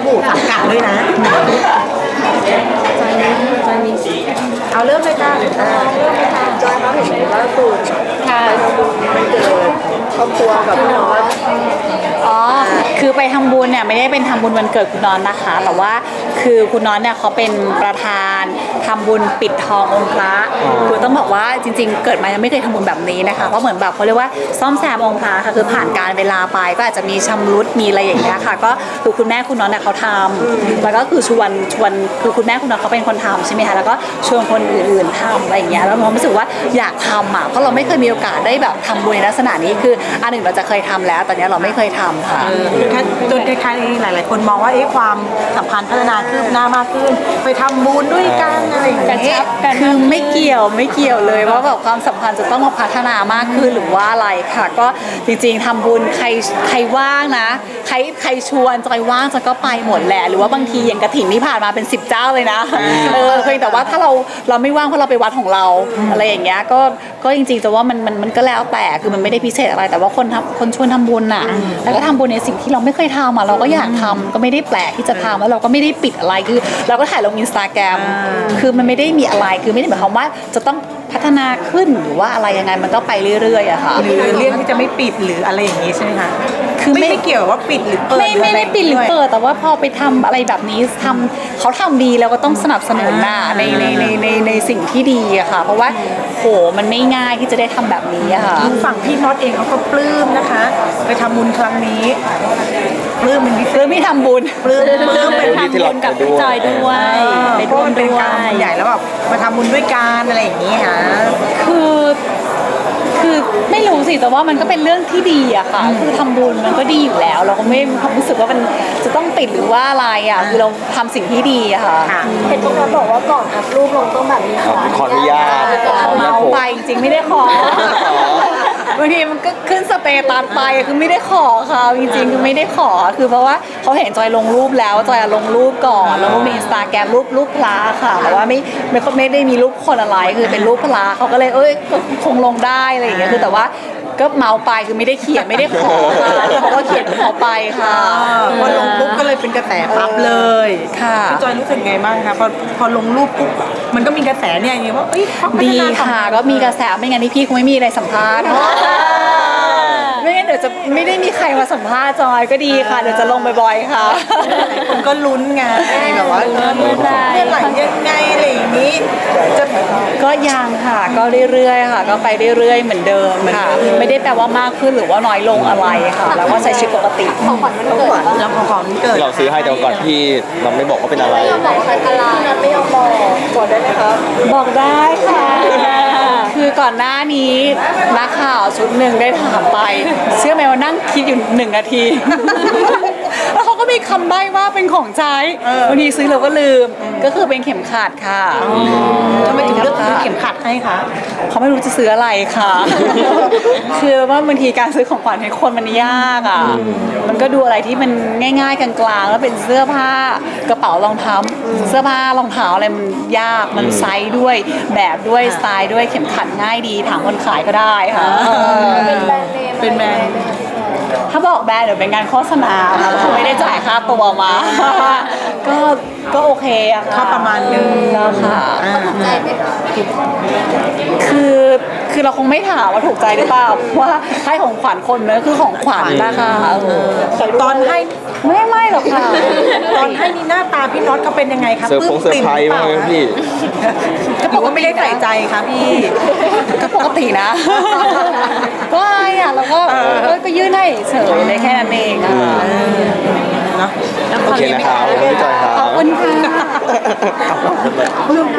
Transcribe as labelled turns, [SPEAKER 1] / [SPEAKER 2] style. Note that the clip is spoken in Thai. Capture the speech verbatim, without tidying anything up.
[SPEAKER 1] มู่สังกัดด้วยนะจอยมีจอยมีเอาเริ่มเลยค่ะเริ่มเลยค่ะจอยมาถึงล่าสุดค่ะไปทำบุญวันเกิดครอบครัวกับพี่น้อง
[SPEAKER 2] อ๋อคือไปทำบุญเนี่ยไม่ได้เป็นทำบุญวันเกิดคุณน้อนนะคะแต่ว่าคือคุณน้อนเนี่ยเขาเป็นประธานทำบุญปิดทององค์พระคือต้องบอกว่าจริงๆเกิดมายังไม่เคยทำบุญแบบนี้นะคะเพราะเหมือนแบบเขาเรียกว่าซ่อมแซมองค์พระค่ะคือผ่านการเวลาไปก็อาจจะมีชำรุดมีอะไรอย่างเงี้ยค่ะก็คือคุณแม่คุณน้อนเนี่ยเขาทำแล้วก็คือชวนชวนคือคุณแม่คุณน้อนเขาเป็นคนทำใช่ไหมคะแล้วก็ชวนคนอื่นๆทำอะไรอย่างเงี้ยแล้วเรารู้สึกว่าอยากทำอ่ะเพราะเราไม่เคยมีโอกาสได้แบบทำบุญในลักษณะนี้คืออันหนึ่งเราจะเคยทำแล้วตอนนี้เราไม่เคยทำค่ะ
[SPEAKER 1] จนคล้ายๆหลายๆคนมองว่าเอ๊ะความสัมพันธ์พัฒนาคืบหน้ามากขึ้นไปทำบุญด้วยกันอะไรอย่างเงี้ย
[SPEAKER 2] คือไม่เกี่ยวไม่เกี่ยวเลยว่าแบบความสัมพันธ์จะต้องมาพัฒนามากขึ้นหรือว่าอะไรค่ะก็จริงๆทำบุญใครใครว่างนะใครใครชวนจอยว่างจอยก็ไปหมดแหละหรือว่าบางทีอย่างกฐินที่ผ่านมาเป็นสิบเจ้าเลยนะเออเพียงแต่ว่าถ้าเราเราไม่ว่างเพราะเราไปวัดของเราอะไรอย่างเงี้ยก็ก็จริงๆจะว่ามันมันมันก็แล้วแต่คือมันไม่ได้พิเศษอะไรแต่ว่าคนทำคนชวนทำบุญน่ะแล้วก็ทำบุญในสิ่งที่เราไม่เคยทำอ่ะเราก็อยากทำก็ไม่ได้แปลกที่จะทำแล้วเราก็ไม่ได้ปิดอะไรคือเราก็ถ่ายลงอินสตาแกรมคือมันไม่ได้มีอะไรคือไม่ได้หมายความว่าจะต้องพัฒนาขึ้นหรือว่าอะไรยังไงมันก็ไปเรื่อยๆอะค่ะ
[SPEAKER 1] หรือเรื่องที่จะไม่ปิดหรืออะไรอย่างนี้ใช่ไหมคะคือไม่ไม่เกี่ยวว่าปิดหรือเปิด
[SPEAKER 2] ไม่ไม่ได้ปิดหรือเปิดแต่ว่าพอไปทำอะไรแบบนี้ทำเขาทำดีแล้วก็ต้องสนับสนุนน่ะในในในในในสิ่งที่ดีอะค่ะเพราะว่าโหมันไม่ง่ายที่จะได้ทำแบบนี้อะค่ะ
[SPEAKER 1] ฝั่งพี่น็อตเองเขาก็ปลื้มนะคะไปทำบุญครั้งนี้ปลื้มเป็นพิเศษ
[SPEAKER 2] ปลื้มไม่ทำบุญ
[SPEAKER 1] ปลื้มปลื้มเป็นทำบุญ
[SPEAKER 3] กับพี่จอยด้วย
[SPEAKER 1] ไปร่วมด้วยใหญ่แล้วแบบมาทำบุญด้วยกันอะไรอย่างนี้ค่ะ
[SPEAKER 2] คือคือไม่รู้สิแต่ว่ามันก็เป็นเรื่องที่ดีอะค่ะคือทำบุญมันก็ดีอยู่แล้ว เราก็ไม่ความรู้สึกว่ามันจะต้องติดหรือว่าอะไรอะคือเราทำสิ่งที่ดีอะค่ะ
[SPEAKER 4] เห็นตรงนั้นบอกว่าก่อนอัพรูปลงต้องแบบนี้ขอ
[SPEAKER 3] ขออนุญาต
[SPEAKER 2] เมาไปจริงๆไม่ได้ขอบางทีมันก็ขึ้นสเตตัสไปคือไม่ได้ขอเขาจริงๆคือไม่ได้ขอคือเพราะว่าเขาเห็นจอยลงรูปแล้วจอยลงรูปก่อนแล้วก็มีอินสตาแกรมรูปรูปพระค่ะแต่ว่าไม่ไม่ไม่ได้มีรูปคนอะไรคือเป็นรูปพระเขาก็เลยเอ้ยคงลงได้อะไรอย่างเงี้ยคือแต่ว่าก็เมาไปคือไม่ได้เขียนไม่ได้ขอเพราะว่าเขียนขอไปค่ะ
[SPEAKER 1] พอลงปุ๊บก็เลยเป็นกระแสปั๊บเลย
[SPEAKER 2] ค่ะ
[SPEAKER 1] พี่จอยรู้สึกไงบ้างคะพอพอลงรูปปุ๊บมันก็มีกระแสเนี่ยอย่างว่าเอ้ย
[SPEAKER 2] ดีค่ะก็มีกระแสไม่งั้นที่พี่คงไม่มีอะไรสัมภาษณ์ไม่งั้นเดี๋ยวจะไม่ได้มีใครมาสัมภาษณ์จอยก็ดีค่ะเดี๋ยวจะลงบ่อยๆค่ะ
[SPEAKER 1] คนก็ลุ้นไงแบบว่าเมื่อไหร่ยังไงอะไรอย่างนี้จะ
[SPEAKER 2] ก็ยังค่ะก็เรื่อยๆค่ะก็ไปเรื่อยๆเหมือนเดิมค่ะไม่ได้แปลว่ามากขึ้นหรือว่าน้อยลงอะไรค่ะแล้วก็ใช้ชีวิตปกติ
[SPEAKER 4] ของขวัญมันเกิด
[SPEAKER 1] แล้วของขวัญเกิด
[SPEAKER 3] เราซื้อให้แต่ก่อนพี่เราไม่บอกว่าเป็นอะไร
[SPEAKER 4] ไม่ยอมบอกใครอะไรไม่ยอมบอกบอกได้ไหมครับ
[SPEAKER 2] บอกได้ค่ะคือก่อนหน้านี้นักข่าวชุดหนึ่งได้ถามไปเชื่อไหมว่านั่งคิดอยู่หนึ่งนาทีแล้วเขาก็มีคำใบ้ว่าเป็นของใช้บางทีซื้อเราก็ลืมก็คือเป็นเข็มขัดค่ะ
[SPEAKER 1] ทำไมถึงเลือกซื้อเข็มขัดให้คะ
[SPEAKER 2] เขาไม่รู้จะซื้ออะไรค่ะคือว่าบางทีการซื้อของขวัญให้คนมันยากอ่ะมันก็ดูอะไรที่มันง่ายๆกลางๆแล้วเป็นเสื้อผ้ากระเป๋ารองเท้าเสื้อผ้ารองเท้าอะไรมันยากมันไซส์ด้วยแบบด้วยสไตล์ด้วยเข็มขัดง่ายดีถามคนขายก็ได้ค่ะ
[SPEAKER 4] เป็นแบรนด์เนม
[SPEAKER 1] เป็นแบรนด์
[SPEAKER 2] ถ้าบอกแบรนด์เดี๋ยวเป็นงานโฆษณาค่ะเขาไม่ได้จ่ายค่าตัวมาก็ก็โอเคอะค่ะ
[SPEAKER 1] ประมาณนึง
[SPEAKER 2] แล้วค่ะ
[SPEAKER 4] ถูกใจไหมคะ
[SPEAKER 2] คือคือเราคงไม่ถามว่าถูกใจหรือเปล่าว่าให้ของขวัญคนเนอะคือของขวัญนะคะ
[SPEAKER 1] ตอนให้
[SPEAKER 2] ไม่ไม่หรอกค่ะ
[SPEAKER 1] ตอนให้นี่หน้าตาพี่น็อตเขาเป็นยังไงคะ
[SPEAKER 3] เซอร์พงเซอร์ไพรส์มากเลยพี่
[SPEAKER 1] ก็บอกว่าไม่ได้ใส่ใจค่ะพี่
[SPEAKER 2] ก็ปกตินะก็ไอ้อะแล้วก็ก็ยื่นให้เฉยเลยแค่นั้นเองอ่ะ
[SPEAKER 3] โอเคนะครับพี่จอยครับ
[SPEAKER 2] ขอบคุณค่ะ